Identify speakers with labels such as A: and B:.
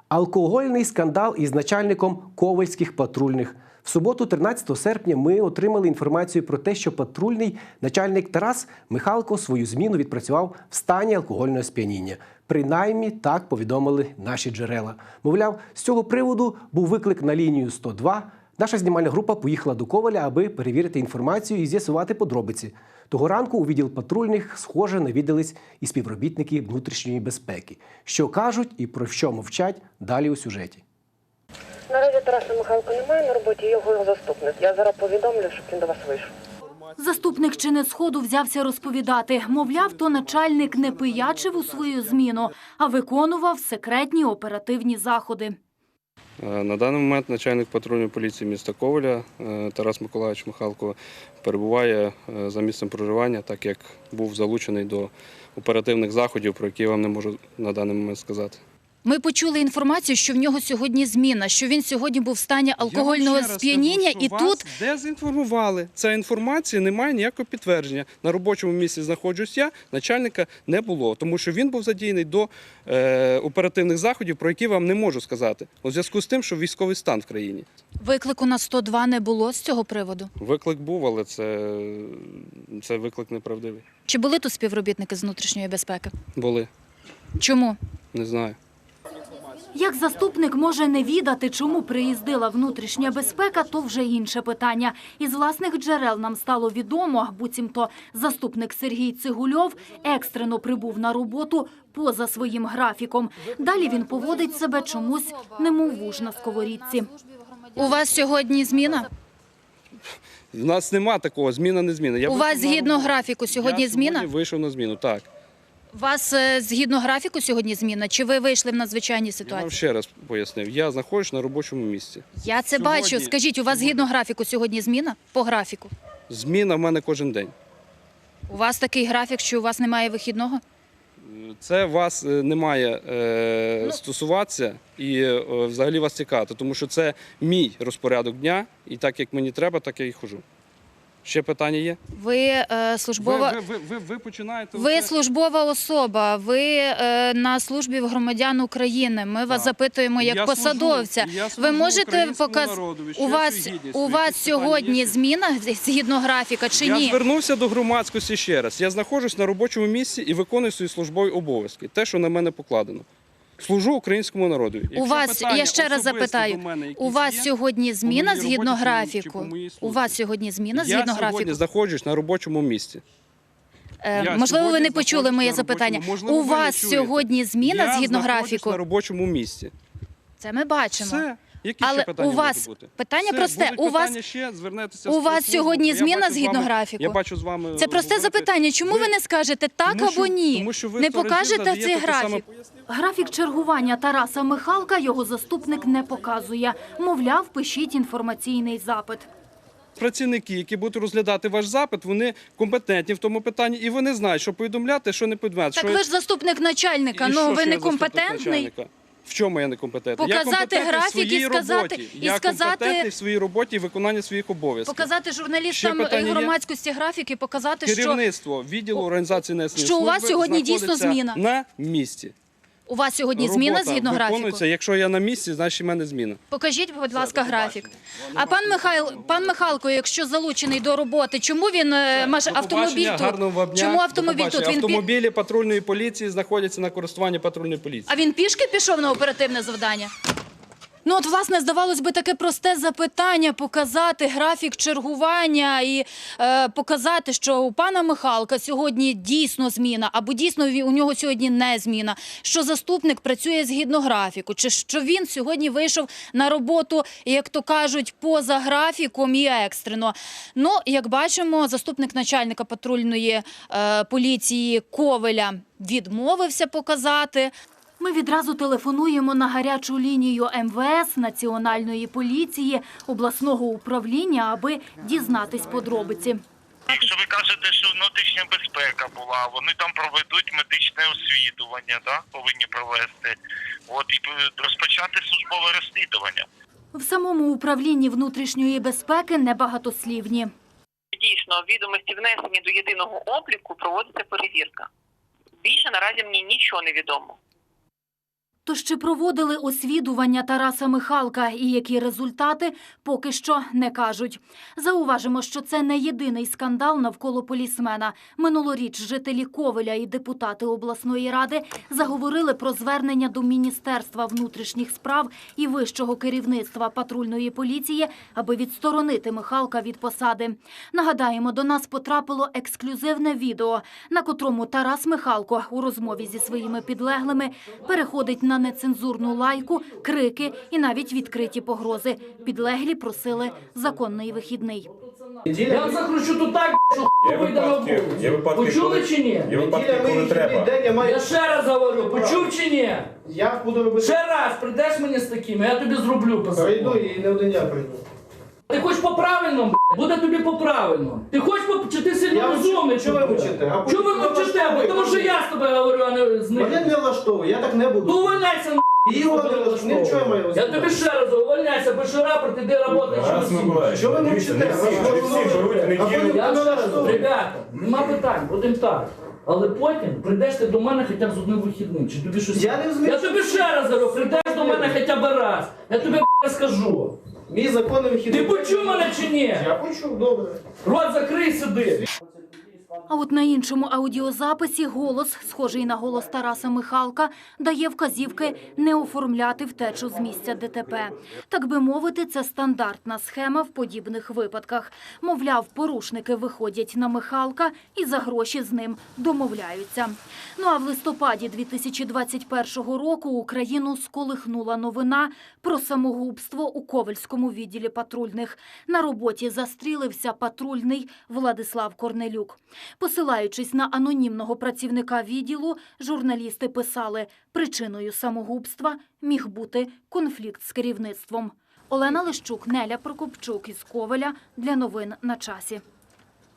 A: Алкогольний скандал із начальником ковальських патрульних. В суботу, 13 серпня, ми отримали інформацію про те, що патрульний начальник Тарас Михалко свою зміну відпрацював в стані алкогольного сп'яніння. Принаймні, так повідомили наші джерела. Мовляв, з цього приводу був виклик на лінію 102. Наша знімальна група поїхала до Ковеля, аби перевірити інформацію і з'ясувати подробиці. Того ранку у відділ патрульних, схоже, навідались і співробітники внутрішньої безпеки. Що кажуть і про що мовчать, далі у сюжеті.
B: Наразі Тараса Михалка немає на роботі, його заступник. Я зараз повідомлю, щоб він до вас вийшов.
C: Заступник Чинесходу взявся розповідати. Мовляв, то начальник не пиячив у свою зміну, а виконував секретні оперативні заходи.
D: На даний момент начальник патрульної поліції міста Ковеля Тарас Миколайович Михалко перебуває за місцем проживання, так як був залучений до оперативних заходів, про які я вам не можу на даний момент сказати.
C: Ми почули інформацію, що в нього сьогодні зміна, що він сьогодні був в стані алкогольного сп'яніння і тут…
D: Дезінформували. Ця інформація не має ніякого підтвердження. На робочому місці знаходжусь я, начальника не було, тому що він був задіяний до оперативних заходів, про які вам не можу сказати, у зв'язку з тим, що військовий стан в країні.
C: Виклику на 102 не було з цього приводу?
D: Виклик був, але це виклик неправдивий.
C: Чи були тут співробітники з внутрішньої безпеки?
D: Були.
C: Чому?
D: Не знаю.
C: Як заступник може не відати, чому приїздила внутрішня безпека, то вже інше питання. Із власних джерел нам стало відомо, буцімто заступник Сергій Цигульов екстрено прибув на роботу поза своїм графіком. Далі він поводить себе чомусь, немов вуж на сковорідці. У вас сьогодні зміна?
D: У нас нема такого, зміна не зміна.
C: У вас згідно графіку сьогодні зміна?
D: Я вийшов на зміну, так.
C: У вас згідно графіку сьогодні зміна? Чи ви вийшли в надзвичайній
D: Я
C: ситуації?
D: вам ще раз пояснив, я знаходжусь на робочому місці.
C: Я це бачу. Скажіть, у вас згідно графіку сьогодні зміна? По графіку?
D: Зміна в мене кожен день.
C: У вас такий графік, що у вас немає вихідного?
D: Це вас не має стосуватися і взагалі вас цікавити, тому що це мій розпорядок дня, і так як мені треба, так я і ходжу. Ще питання є?
C: Ви службова...
D: Ви починаєте...
C: Ви службова особа, ви на службі в громадян України. Ми вас запитуємо як посадовця. Ви можете показати, у вас сьогодні зміна згідно графіка чи ні?
D: Я звернувся до громадськості ще раз. Я знаходжусь на робочому місці і виконую свої службові обов'язки. Те, що на мене покладено. Служу українському народу.
C: У вас, я ще раз запитаю, у вас сьогодні зміна згідно графіку? У вас сьогодні зміна згідно графіку?
D: Я сьогодні знаходжусь на робочому місці.
C: Можливо, ви не почули моє запитання. У вас сьогодні зміна згідно графіку?
D: Я знаходжусь на робочому місці.
C: Це ми бачимо.
D: Все. Які ще
C: Але
D: питання
C: у вас
D: можуть бути?
C: питання
D: Все,
C: просте. У вас сьогодні зміна згідно графіку?
D: Я бачу з вами.
C: Це просте запитання. Чому ви не скажете так або ні?
D: Тому що ви
C: не
D: 100 разів
C: покажете
D: задаєте
C: цей
D: те саме.
C: графік? Графік чергування Тараса Михалка його заступник не показує. Мовляв, пишіть інформаційний запит.
D: Працівники, які будуть розглядати ваш запит, вони компетентні в тому питанні, і вони знають, що повідомляти, що не повідомляти.
C: Так ви ж заступник начальника, ну ви не компетентний?
D: В чому я не компетентний?
C: Показати графік і сказати...
D: Я компетентний в своїй роботі і виконанні своїх обов'язків.
C: Показати журналістам громадськості графік і показати, що...
D: Керівництво відділу організації несення
C: що у вас сьогодні дійсно зміна.
D: На місці.
C: У вас сьогодні зміна згідно графіку?
D: Якщо я на місці, значить в мене зміна.
C: Покажіть, будь ласка, графік. А пан Михалко, якщо залучений до роботи, чому він автомобіль тут? Чому автомобіль тут?
D: Автомобілі патрульної поліції знаходяться на користуванні патрульної поліції.
C: А він пішки пішов на оперативне завдання? Ну от, власне, здавалось би, таке просте запитання – показати графік чергування і показати, що у пана Михалка сьогодні дійсно зміна, або дійсно у нього сьогодні не зміна, що заступник працює згідно графіку, чи що він сьогодні вийшов на роботу, як то кажуть, поза графіком і екстрено. Ну, як бачимо, заступник начальника патрульної поліції Ковеля відмовився показати. Ми відразу телефонуємо на гарячу лінію МВС, Національної поліції, обласного управління, аби дізнатись подробиці.
E: Якщо ви кажете, що внутрішня безпека була, вони там проведуть медичне освідування, так, повинні провести, і розпочати службове розслідування.
C: В самому управлінні внутрішньої безпеки небагатослівні.
B: Дійсно, відомості внесені до єдиного обліку, проводиться перевірка. Більше наразі мені нічого не відомо.
C: Тож чи проводили освідування Тараса Михалка і які результати, поки що не кажуть. Зауважимо, що це не єдиний скандал навколо полісмена. Минулоріч жителі Ковеля і депутати обласної ради заговорили про звернення до Міністерства внутрішніх справ і вищого керівництва патрульної поліції, аби відсторонити Михалка від посади. Нагадаємо, до нас потрапило ексклюзивне відео, на котрому Тарас Михалко у розмові зі своїми підлеглими переходить на нецензурну лайку, крики і навіть відкриті погрози. Підлеглі просили законний вихідний.
F: Я вам закручу тут так, що вийде на вулицю. Почули чи ні?
G: Є випадки, коли треба.
F: Я ще раз говорю, почув чи ні?
H: Я буду робити.
F: Ще раз прийдеш мені з такими, я тобі зроблю по
H: Прийду
F: закону.
H: і не один я прийду.
F: Ти хочеш по-правильному, буде тобі по-правильному. Ти хочеш чи ти сильно
H: Я
F: розумний?
H: що ви мовчите? А
F: Чого ви
H: потім
F: мовчите?
H: влаштовує.
F: Тому що я з тобою говорю, а не з
H: Мене
F: ним.
H: не влаштовує, я так не буду.
F: Ну увольняйся,
H: І його не влаштовує. Нічого я маю.
F: Я тобі ще раз увольняйся, пиши рапорт, іди роботи.
G: Тарас Миколаївич,
H: Що ви
G: дивіться,
H: мовчите?
G: не всі живуть
H: А
G: неділю.
H: потім-
F: Я ще раз, ребята, нема питань, будемо так. Але потім прийдеш ти до мене хоча б з одним вихідним. Чи тобі щось...
H: Я не розумію,
F: Я тобі ще раз говорю, прийдеш до мене хоча б раз. Я тобі скажу.
H: Мій законний вихідний.
F: Ти почув мене чи ні?
H: Я почув, добре.
F: Рот закрий, сиди.
C: А от на іншому аудіозаписі голос, схожий на голос Тараса Михалка, дає вказівки не оформляти втечу з місця ДТП. Так би мовити, це стандартна схема в подібних випадках. Мовляв, порушники виходять на Михалка і за гроші з ним домовляються. Ну а в листопаді 2021 року Україну сколихнула новина про самогубство у Ковельському відділі патрульних. На роботі застрілився патрульний Владислав Корнелюк. Посилаючись на анонімного працівника відділу, журналісти писали, причиною самогубства міг бути конфлікт з керівництвом. Олена Лищук, Неля Прокопчук із Ковеля для новин на часі.